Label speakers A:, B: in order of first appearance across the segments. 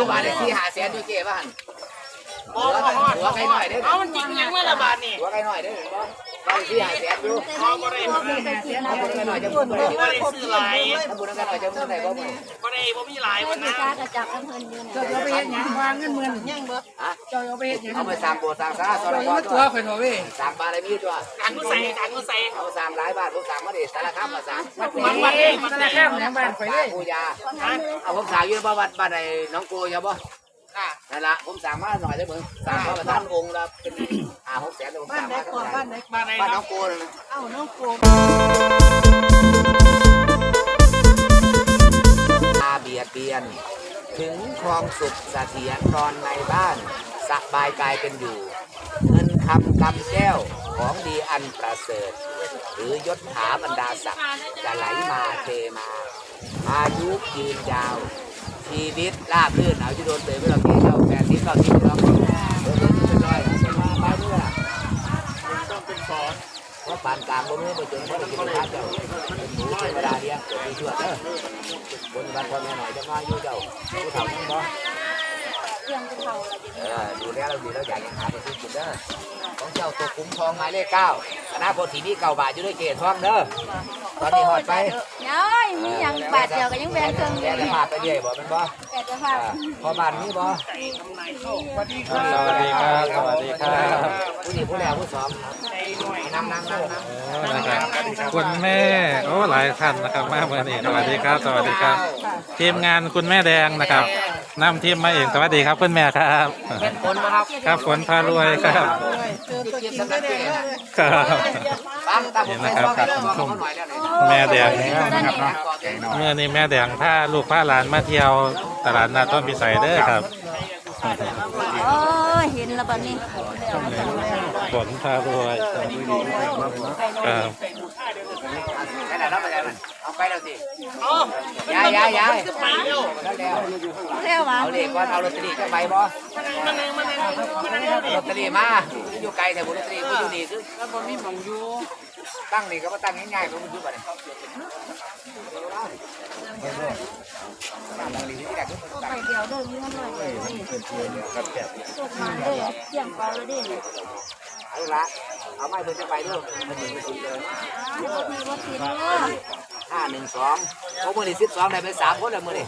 A: บาทได้ที่หาแสนอยู่เจ๊บ้านหัวไก่หน่อยเด้อ
B: เอามันจริงยังไม่ละบาทนี่
A: หัวไก่หน่อยเด้อได้ที่หาแสนอยู่
B: พอบ่ได้บ่ได้
A: หัวไก่หน่อยจะบุญบ่ได้
B: บ่ได้ซื้อหลาย
A: ถ้าบุญไก่หน่อยจะบุญได้บ่มื้อ
B: บ่ได้บ่มีหลายวันนะ
C: กากระจับน้ำเพลินอยู่
D: เจ้าเอาไปเฮ็ดหยังวางเงินหมื่นยังบ่
A: ฮะ
D: เจ้าเอาไปเฮ็ดหยัง
A: เอาไปสร้างโบสถ์สร้างศาลาสอน
D: เจ้า
A: พ่อ
D: มา
A: ตั
D: ตัว วข่อยเถอะเว้ย
A: สร้างบารมีตัว
B: การกูใส่การกูใส่
A: เอาสร้างหลายบาทผมสร้างมาดิสารคามมาสร้าง
D: วัดนี้ธนาคารแหนบ้านข่อยเลย
A: ปูยาเอาผมสร้างอยู่บ่วัดบ้านไอ้น้องโกอย่าบ่
B: ค่ะ
A: นั่นล่ะผมสร้างมาหน่อยได้มึงสร้างมาประทานองค์ละเป็น5-6แสนผม
D: บ้า
A: ส
D: น
A: ร้าง
D: ไหน
A: มา
D: ก่อนบ้านไหน
B: บ้านไหน
A: บ้านน้
B: เนาะ
A: องโกนั่น
D: เอ้าน้องโก
A: อาเบียดเบียน ถึงครองสุขเสถียรนอนในบ้านสบายกายเป็นอยู่ เงินคำกำแก้วของดีอันประเสริฐ หรือยศถาบรรดาศักดิ์จะไหลมาเทมา อายุยืนยาว ชีวิตราบรื่นเอาจะโดนเตยไม่เราเกี่ยว80-90เราเป็นร้อยเป็นมาไปเมื่อ
B: ต้องเป็นสอน
A: เพราะปานกลางบนเมื่อไปจนเพราะกินข้าวเจ้าเป็นหมูธรรมดาเดียวเกิดมีเชื่อเด้อบนบ้านพ่อแม่หน่อยจะมาอยู่เจ้าผู้เฒ่านั่งบ่
C: เรื่องจะเท่าอะไรจะ
A: ดูแลเราดีเราอยากยังหาไปซื้อกินเด้อของเจ้าตัวคุ้มทองหมายเลข9คณะโพธิมี9 บาทอยู่ด้วยเกศทองเด้อตอนนี้หอดไป
C: น้อยมีอย่างบาทเดียวก็ยังแบงเครื่อง
A: แกจะพาไปเรื่อยบ่เป็นบ่
C: แกจะพา
A: พอบ้านนี้บ่
B: สวัสดีครั
E: สวัสดีครับสวัสดีครับ
A: ผู้นี้ผู้แรกผู้สองนั่งนะครับ
E: คุณแม่โอ้หลายท่านนะครับมาเมื่อนี้สวัสดีครับ สวัสดีครับ ทีมงานคุณแม่แดงนะครับนำทีมมาเองสวัสดีครับคุณแม่ครับ
A: เป็นผลนะครับ
E: ครับฝนพารวยครับ
D: เจอตัวจริงก็ได้เลย
E: ครับ
A: ฟังตาผมไปฟังเรื่องของเขาหน่อยแล้วนี่
E: แม่แดง
A: นะครับเนาะ
E: เมื่อนี้แม่แดงพาลูกพาหลานมาเที่ยวตลาดนัดต้นพิสัยเด้อครับ
C: โอ้เห็นแล้วบัดนี้
E: ฝนพารวยครับ
A: ไปไหนแล้วไปไหนมันเอาไปแล้วสิ
B: เอ้า
A: ย้าย
B: ไปเร็ว
A: แล้วแล้ว
C: เรียกว่า
A: เอาเลขก่อนเอาลอตเตอรี่จะไปบ่
B: มานั่งเร็วดิ
A: ลอตเตอรี่มาอยู่ไกลแต่บุลอตเตอรี่กูอยู่นี่คือแล้วบ่มีหม่องอยู่ตั้งนี่ก็มาตั้งง่ายๆมันอยู่บัดนี้ตั้งนี่ที่แรกคือ
C: ตัวไปเดียวเดินเงินเลยสุดมาเลยเสี่ยงเปล่าเลยดิ
A: เอาละเอาไม้เพิ่นจะไปด้วยมันอยู่ที่เดิม
C: รถมีรถติดเลย
A: 512โอ้มื้อนี้12ได้ไป3คนแล้วมื้อนี้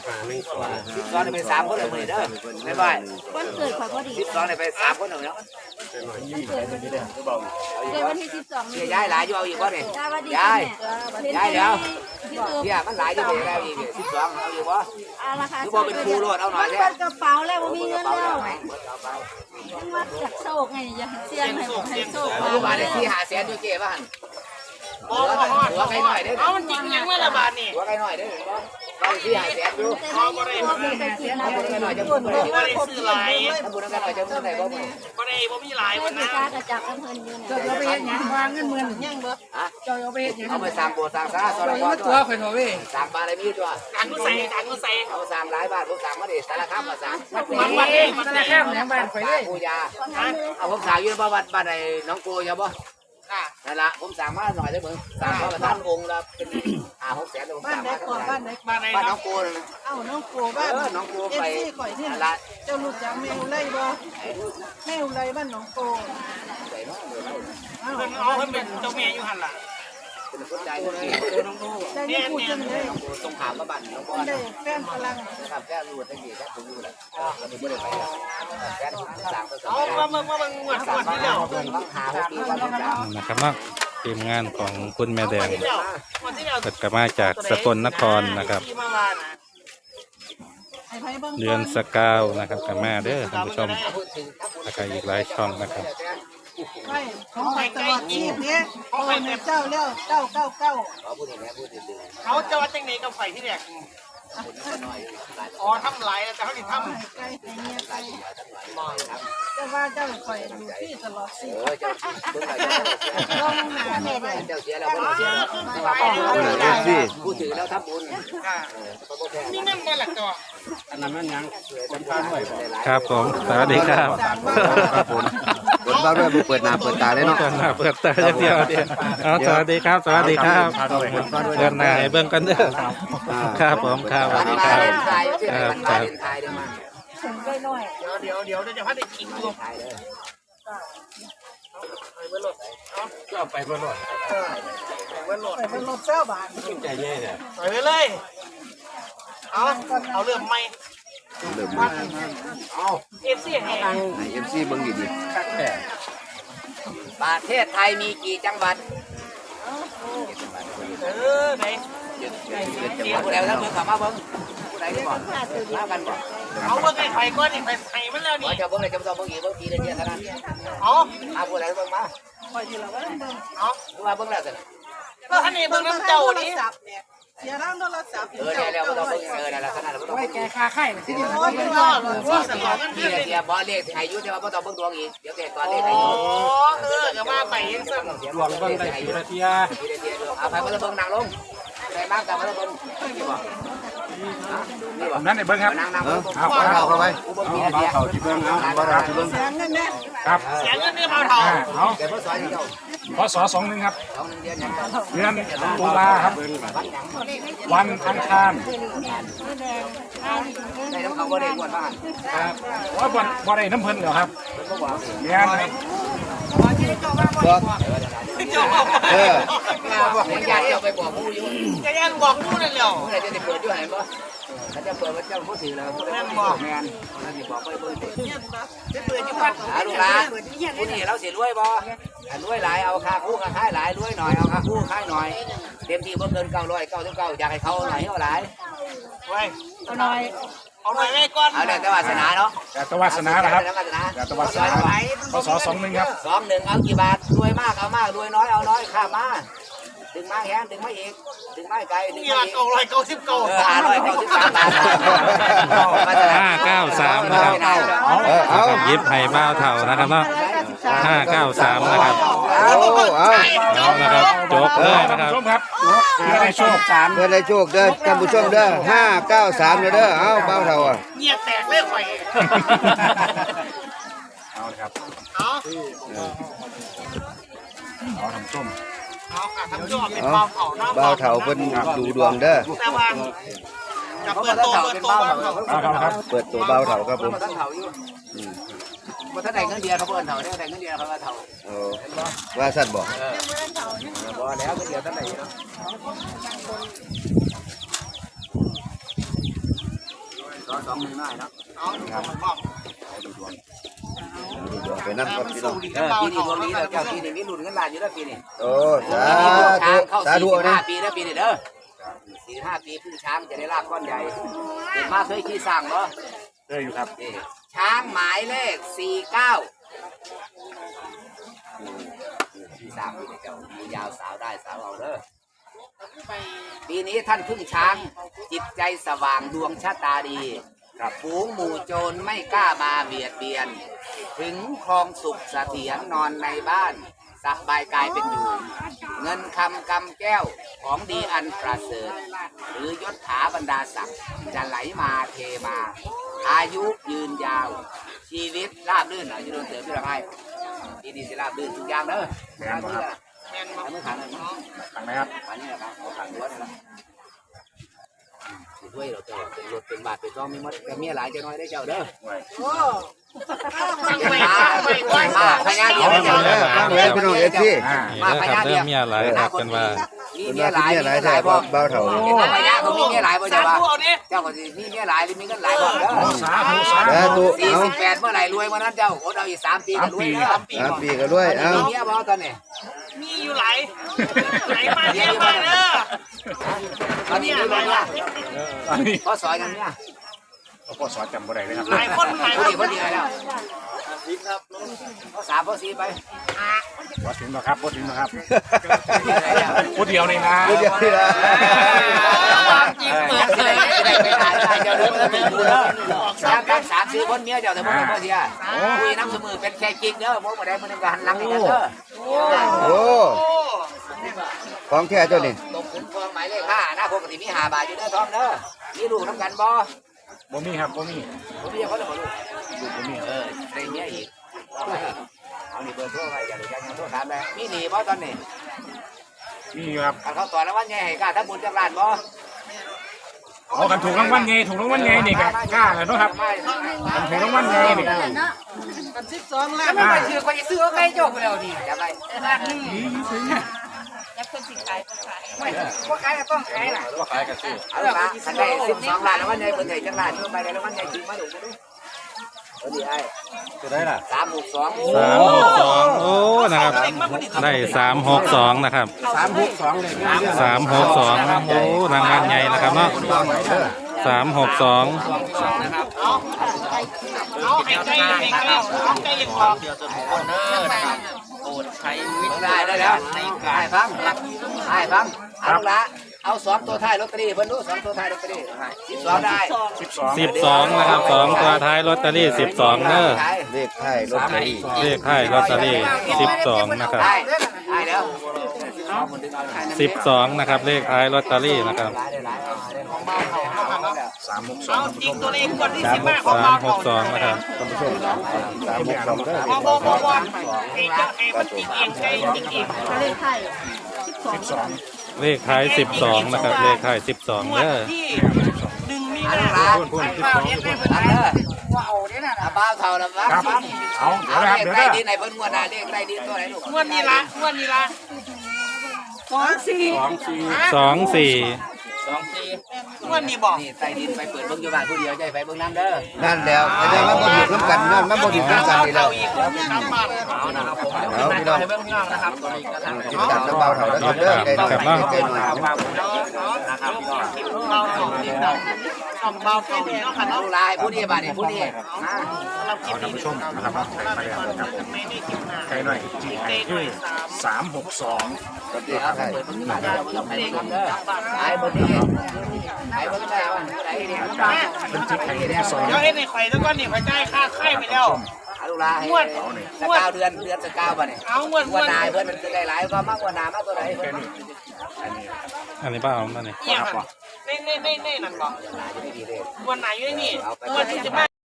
A: 12ได้ไป3คนแล้วมื้อนี้เด้อบ๊ายบาย
C: วันเกิดข่อยพอดี
A: 12ได้ไป3คนแล้วเนาะ
C: เกิดวันที่12
A: เสียย้ายหลายอยู่เอาอีกบ่นี่
C: จ้าวันดี
A: ย้าย
C: แม่
A: ย้ายเดี๋ยว
C: ที่คือ
A: เสียมันหลายอยู่เด้แล้วอีก12เอาอยู่บ่
C: ราคา
A: อยู่บ่เป็นครูโลดเอาหน่อย
C: เปิ
A: แท้
C: ดกระเป๋าแล้วมีเงินแล้ว
A: เปิดเอาไป
C: ว่าจากโศกไงอย่าเสี่ยงให้ผมให้โศก
A: เอาอยู่บ้านได้ที่หาแสนอยู่เจ๊บ้าน
B: บ่บ่ฮอดเอามันจริงยังไม่ละบาทนี่
A: หัวไก่หน่อยเด้อบ่ได้ที่หาแสนอยู่
C: แต่ไม่ยังตัวมีไปกินนะ
A: บุญไก่หน่อยจะบุญบ่ได้
B: บ่ได้ซื้อหลาย
A: ถ้าบุญไก่หน่อยจะบุญได้บ่มื้อ
B: บ่ได้บ่มีหลายวันนะ
C: กากระจับน้ำเพลินอยู่
D: เจ้า
C: เนี่ย
D: เอาไปเฮ็ดหยังวางเงินหมื่นยังบ่
A: ฮะ
D: เจ้าเอาไปเฮ็ดหยัง
A: เอาไปสร้างโบสถ์สร้างศาลาสอน
D: เจ้า
A: พ่อ
D: มา
A: ตั
D: ตัว วข่อยเถอะเว้ย
A: สร้างบารมีตัว
B: การกูใส่การกูใส่
A: เอาสร้างหลายบาทผมสร้างมาดิสารคามมาสร้าง
D: วัดนี้ธนาคารแหนบ้านข่อยเลย
A: ปูยาเอาผมสร้างอยู่บ่วัดบ้านไอ้น้องโกอย่าบ่
B: ค่ะ
A: นั่นล่ะผมสร้างมาหน่อยได้อมึงสร้างมาประทานองค์ละเป็น5-6แสนผม
D: บ้า
A: ส
D: น
A: ร้าง
D: ไหน
A: มา
D: ก่อนบ้านไหน
B: บ้านไหน
A: บ้านน้อ
B: เนาะ
A: งโกนั่นนะ
D: เอ้าน้องโกบ้าน
A: น้องโก
D: เอฟ
A: ไป
D: ซีข่อยนี่
A: นั่น
D: ล่ะ
A: ล่ะ
D: เจ้ารู้จักแมวไล่บ่แมวไล่บ้านน้องโก
A: ไปเนาะ
D: เอ้า
B: เพิ่นเอาเพิ่นเป็นเจ้าแม่อยู่หั่นล่ะ
A: เป็นคนใจคนนี้
D: ได้ยินพูดจังเลย
A: ตรงขามกับบ้านน้องบอ
D: มัน
A: ล
D: ได้แฟนพลัง
A: ครับแค่รู้ตั้งกี่แค่ผมรู้แหละตอนนี้ไม่ได้ไปแล้วแค่สร้างก็สร้า
B: เอา
A: ง
B: มางวดที่แล้ว
A: เพิ่งต้องหาปีวันต้องจ่าย
E: นะครับเนาะทีมงานของคุณแม่แดง
B: งวดที่แล้ว
E: เกิดกลับมาจากสกลนครนะครับ
B: ที่มาว่านะ
D: ไอ้ไผเบิ่ง
E: เดือนสกาวนะครับกลับมาเด้อท่านผู้ชมแล้วก็อีกหลายช่องนะครับ
D: ไว้ของข่อยตลอดชีพนี้โอ้ยแม่เจ้าแล้ว999
A: เขาพูดอย่างนี้พูดถึง
B: เขาจะว่าจังไหนกับไฟที่แรกอ๋อทำหลายแต่เขาสิทำ
D: ไก่ไก่เมียไก่เจ้าว่าเจ้าข่อยอยู่ที่ตลอดชีพ
A: เจ้าเพิ่งไป
D: ลองหาแม่ได้
A: เจ้าเสียแล้วเพิ่งเสียแล้วพูดถึงแล้วทำบุญ
B: ค่ะมีเงินบ่หลักตัว
E: ครับผมสวัสดีครับ
A: ครับผมผลบ้าด้วยเปิดหน้าเปิดตาเลยเนาะ
E: เปิดหน้าเปิดตาเดียวเดียวเอาสวัสดีครับ สวัสดีครับเดินหน้าให้เบิ่งกันเด้อครับผมครับสวัสดีครับ
A: ถ่ายถ่ายเดี๋ยวมา
C: ถึงได้น้อย
B: เดี๋ยวจะพัดได้กินลูก
A: ถ่ายเลย
B: ไปเบิ้ลรถเอา
F: ก็เอาไปเพื่อนหน่อย
B: ไปเบิ้ลรถ
D: ไปเป็นรถเจ้าบ้าน
F: ขึ้นใจแย่เนี่ย
B: ไปเลยเอาเริ่มใหม่
G: เริ่มมา
F: เอา
B: เอฟซีแห่
G: ไอเอ็มซีเบิ่งดี
F: คักแท้
A: ประเทศไทยมีกี่จังหวัด
B: ไหน
A: เดี๋ยวผู้ใดทั้งเมืองขับมาเบิ้งผู้ใดที่บอกมากันบอก
B: เอาเบิ้งไอ้ไข่ก้อนนี่ไข่มันแล้ว
A: ว่า
B: นี่
A: จะเบิ้งอะไรจะต้องเบิ้งอีกเบิ้งทีเดียวเท่านั้น
B: เอา
A: มาผู้ใดเบิ้งมา
D: คอยทีละวันเบิ่ง
B: เอา
A: ผู้มาเบิ้งแล้วสิ
B: ก็ท่านนี่เบิ้งน้ำเจ้านี่
D: เสียร่างโทรศัพท์
A: ได้แล้วต้องเบิ้งได้แล้วขนาดเราต้อง
D: แกคาไข่สิ
B: โอ้ยยอดว่าสมองมัน
A: ที
B: ขึ้นเลย
A: เดียวบอลเลขให้ยุ่แต่ว่าต้องเบิ้งดวงอีกเดี๋ยวแต่ก่อนเลขให้
B: โอ้
A: ยุ่
B: ก็มาไปยังสั่ง
F: ดวงเบิ่งได้กี่นาทีอะ
A: ทีเดียวเอาไปมาเบิ้งนางลงได้มากกันมาเบิ้งนี่บอกนี่บอก
F: นั่นไอ้เบิ่งครับ
A: นางนางเบิ้ง
G: ๆเอาเข้าไป
A: เบิ้งทีเดียว
G: เขาที่เบิ่งเอาบ่รับที่เบิ่ง
D: เสียงเงินแน่
F: ครับ
B: เสียเงินนี่เผาเถา
F: เอา
A: แต่พ่อสอนเจ้า
F: พศ21ครับ
A: สองเดือนยัง
F: เดือนตุลาครับ วันอังคาร
A: ได้น้ำเขาบ่ได้กวนบ้าน
F: ครับว่าบ่ได้น้ำเพิ่นเหรอครับ
A: เป็นบ่บอก
F: เมียนครับ
G: บอก
B: เจ้า
G: เออ
A: บอกให้ญาติเจ้าไปบอกผู้อยู่
B: จะยันบอกนู่นนั่นแล้ว
A: เมื่อไหร่จะได้เปิดอยู่ไหนบ่ถ้าจะเปิดว่าเจ้าผู้ถือแล้วผู้ใดบอกแม่นนั่นสิบอกไปเปิดดิ
B: จะเปิดอยู่บ้าน
A: ลูกหลานผู้นี้เราสิรวยบ่รวยหลายเอาค่าคู่ค่าค่ายหลายรวยหน่อยเอาค่าคู่ค่ายหน่อยเต็มที่บ่เกิน999อยากให้เขาหน่อยเอาหลาย
B: ไว้
C: เอาหน่อย
B: เอาหน่อยแม่ก้อน
A: เอาแต่วาสนาเนาะ
F: แต่ตวาสนานะครับ
A: วาสนา
F: แต่ตวาสนาพศ21ครับ
A: 21เอากี่บาทรวยมากเอามากรวยน้อยเอาน้อยข้ามาดึงมาแฮงดึงมาอีกดึงมาไกลดึง
B: นี่
A: มา
B: ละ
A: อีก
B: 999
A: 593 บาท
E: 593นะครับ
G: เอา
E: ยิบไห่บ้าวเท่านะครับเนาะ593นะครับ
G: เอาเอา
E: เอานะครับจบเลยนะครับ
F: ชมครับเพื่อได้โชค
G: เพื่อได้โชคเด้อท่านผู้ชมเด้อ593เด้อเอาเบาเท่าอ่ะ
B: เงียบแตกเลยไข่
F: เอาละครับ
B: เอา
F: เอาทำส้ม
B: เอาค่ะทำยอดเป็นเบาเถาเนาะ
G: เบาเท่าเพิ่นดูดวงเด้อ
B: แต่ว่าจะเปิดโตเบาเถา
F: เอาครับครับ
G: เปิดตัวเบาเท่าครับผม
A: ท่านเถาอยู่บ่ทันได้เงินเดือนเขาเพิ่นเถาได้เงินเดือนเขาว่าเถา
G: โอ้ว่าสั่นบ่
A: บ่แล้วเงินเดือนท่านได้เนาะสองหนึ่งน้อยเนาะ
B: เอาบอก
G: ดูดวงไปนั่นครับ
B: มัน
G: พี่น้อ
B: สู้
G: ง
B: ดี
A: ปี
B: กับเบา
A: นี้
B: เถา
A: ดวงนี้เจ้าปีนี้มีรุ่นเงินล้านอยู่แล้วปีนี้
G: โอ้สา
A: ช้า
G: ธุ
A: งเข้า
G: สาธุนะ
A: 45 ปีแล้วปีนี้เด้อ45 ปีพึ่งช้างจะได้ลากก้อนใหญ่เกิดมาเคยขี่สร้างบ่
F: เจออยู่ครับ
A: ช้างหมายเลข49สามปีเจ้ามียาวสาวได้สาวเอาเด้อปีนี้ท่านพึ่งช้างจิตใจสว่างดวงชะตาดีฝูงหมู่โจรไม่กล้ามาเบียดเบียน ถึงครองสุขเสถียรนอนในบ้านสบายกายเป็นอยู่ เงินคำกำแก้วของดีอันประเสริฐหรือยศถาบรรดาศักดิ์จะไหลมาเทมา อายุยืนยาว ชีวิตราบรื่นอายุโดนเสริมพี่ละไพ่ดีสิราบรื่นทุกอย่างเด้อ
B: แมนบอก
A: ทำมือขันเลยเนาะ
F: ตังไหมครับ
A: ขันนี่แหละครับเอาขันหัวนี่แหละสิด้วยเราเจอเป็นรถเป็นบาทเป็นกองมีมดแต่เมียหลายจะน้อยได้เจ้าเด้อ
D: โอ้
A: มาพญาเดียว
G: เอา
A: เจ้า
G: เด้อฟังไว้พี่น้องเอฟซี
A: มาพ
E: นี่
A: ญา
E: นะครับ
A: เดี
E: เริ่
A: ยว
E: มมีอะไรครับกันว่า
A: มี
G: เป็น
A: เมีย
G: ว่า
A: ห
G: ที่
A: ลาย
G: เมียหลายแท้บ่เบาเท่า
A: เห็นพญาเขามีเมียหลายบ่เจ้าว่า
B: เอาดิ
A: เจ้าก็สิมีเมียหลายหรือมีเงินหลายบ่เด้อ
F: สาธุสา
G: สา
F: ธุ
G: ธุเอา
A: 48เมื่อไหร่รวยเมื่อนั้นเจ้าอดเอาอีก3 ปีก็รวยเด้อ
G: 3ปีก็ด้วยเอา
A: มีเมียบ่ตอนนี้
B: มีอยู่ไหลมาเยี่ยมมาเด้อ
A: ตอนนี้มีเมีย
F: อันนี้
A: พอสอนกันเนี่ย
F: พ่อสอนจำบ่ได้เลยครับ
B: หลายคนหลาย
A: พ
B: ค
A: อน ดีแล้วพอ3พอ4ไป
F: บ่ถึงนะครับบ่ถึงนะครับพูดเดียวนี่นะ
G: ผู้เดียวนี่ล่ะ
A: จริงเปิดเลยได้ไปหาได้เจ้าเด้อเป็นผู้เด้อ3 3ซื้อคนเมียเจ้าแต่บ่ได้บ่เสียคุยน้ำเสมอเป็นแค่กิ๊กเด้อบ่บ่ได้มื้อนึงก็หันหลังให้กันเด้อ
G: โอ้ของแท้เจ้านี่
A: ตกขุนทองหมายเลข5นะปกติมี5 บาทอยู่เด้อทองเด้อมีลูกนำกันบ่
F: บ่มีครับบ่มี
A: บ่มีเขาจะบ่ลูก
F: ลูกบ่มี
A: ได้เมียอีกเอานี่เบอร์โทรไว้อย่าลืมยังโทรถามเลยมีหนีบ่ตอนนี้
F: มีอยู่ครับ
A: คันเขาต่อแล้วว่าไงให้กล้าถ้าบุญจักรานบ่
F: เอากันถูกรางวัลไงถูกรางวัลไงนี่กันกล้าเลยเนาะครับกันถูกรางวัลไงนี่
D: กัน12ล้าน
B: ไม่ไปซื้อไปซื้อเอาไก่โจกไปแล้วดิ
A: จะไป
B: ล้านหนึ่งไม่ว่าขายก็ต้องขายน่ะ
F: ว่าขายกันซื้อ
A: เอาละคันได้12 ล้านแล้ววันใหญ่เพิ่นได้จังล้านเพิ่นไปได้แล้ววันใหญ่จริงมาดูมาดูเออดีไอ้
F: จะได้ล่ะ
A: 362
E: 362โอ้นะครับได้362นะครับ
F: 362เลย
E: 362โอ้รางวัลใหญ่นะครับเนาะ362
B: เอาไอ้ไก่เอาไก่ยังพอ
A: ได้แล้วได้ฟังได้ฟังเอาละเอา2ตัวท้ายลอตเตอรี่เพิ่นดู2ตัวท้ายลอตเตอรี่12ได้
E: 12นะครับ2ตัวท้ายลอตเตอรี่12เด้อ
G: เลขท้ายลอตเตอรี่
E: เลขท้ายลอตเตอรี่12นะครับ
A: ได้ได้แล้ว
E: 12นะครับเลขท้ายลอตเตอรี่นะครับ
B: เอาจริงตัวเลขงวดที่15ของเราของ
E: 362นะครับ
G: ท่านผู้ชม362เด้อ
B: บ่ไอ้เจ้าไอ้มันจริงเองไก่จริงเอง
C: เลขไทย
E: เลขท้าย12นะครับเลขท้าย12
B: งวด
E: เด้อ
B: ที่1มีนา
A: เอาเฮ็ดให้เพิ่นเด้อว่าเอาเด้อน่ะบ้าเท่าละบ้า
F: ครับเอาเดี๋ยวนะครับ
A: เลข
F: เดี๋ยว
A: ใต้
F: นะ
A: ดินไหนเพิ่นงวดหน้าเลขใต้ดินตัวไหนลูก
B: งวดนี้ละงวดนี้ละ
E: 24
B: งวดนี้บอก
A: นี่ใต้ดินไปเปิดเบิ่งอยู่บ้านผู้เดียวใจไปเบิ่งน้ำเด้อ
G: นั่นแล้วไม่ได้มาบ่อยู่ร่วมกันนั่นมาบ่อยู่ร่วมกันนี่แล้ว
B: อีกตามบ้าน
A: เอานะครับผม
G: เอาพี่น้อง
A: ให้เบิ่งพี่น้องนะครับตัวนี้ก็ทาง
G: ติดตามน้ำเบาเท่าแล้วเด้อไกลหน่อยไกลหน่อย
A: นะครับพี่น้อง
B: เราสองทีมเราทำเบาเก่าเนาะค่ะ
A: เอา
B: เนาะ
A: ลายผู้นี้บ้านนี่ผู้นี้
B: เราคิดดี
F: ผู้ชมนะครับมาเลยครับผม
B: ไม่ได้คิดนาน
F: ใครหน่อยที่ไหนคือ362
G: เลขท้าย
A: เปิดเบิ่งอยู่บ้านเด้อบ่ต้องไปเบิ่งน้ำเด้อไอ้บ่นี้ไอ้เบิ่งได้ว่าผู้ใดเนี่ย
F: เป็นทิศไทยที่2
B: เดี๋ยวเอ็นในไข่แล้วก็นี่ไข่ใจค่าไข่ไปแล้ว
A: เอาลูกลาให้สกาวเดือนสกาวบ่เนี่ย
B: เอางวด
A: งวดนายเพิ่นมันจะได้หลายก็มากกว่านามาตัวไหนเพิ่น
E: อันนี้ป้าเอามานี่
B: เนี่ยในนั่นบอก
A: จะไม่ดีเลย
B: งวดไหนอยู่ในนี่งวดที่จะมา